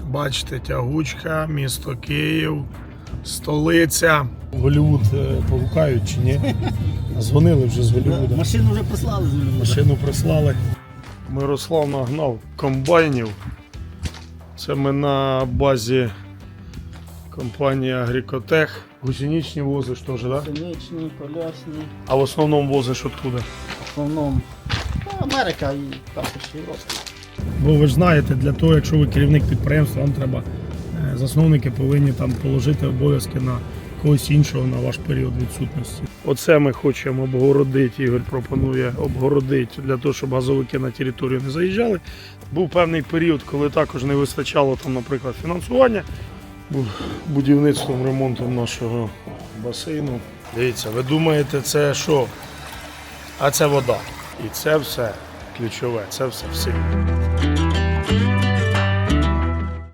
Бачите, тягучка, місто Київ, столиця. Голлівуд погукають чи ні? Дзвонили вже з Голлівуда. Машину вже прислали з Голлівуда. Машину прислали. Мирослав нагнав комбайнів. Це ми на базі компанії Агрікотех. Гусеничні возиш теж, так? Да? Синичні, колясні. А в основному возиш откуда? В основному Америка і також Європа. Бо ви ж знаєте, для того, якщо ви керівник підприємства, вам треба, засновники повинні там положити обов'язки на когось іншого на ваш період відсутності. Оце ми хочемо обгородити, Ігор пропонує обгородити для того, щоб газовики на територію не заїжджали. Був певний період, коли також не вистачало там, наприклад, фінансування. Був будівництвом, ремонтом нашого басейну. Дивіться, ви думаєте, це що? А це вода. І це все ключове, це все в силі.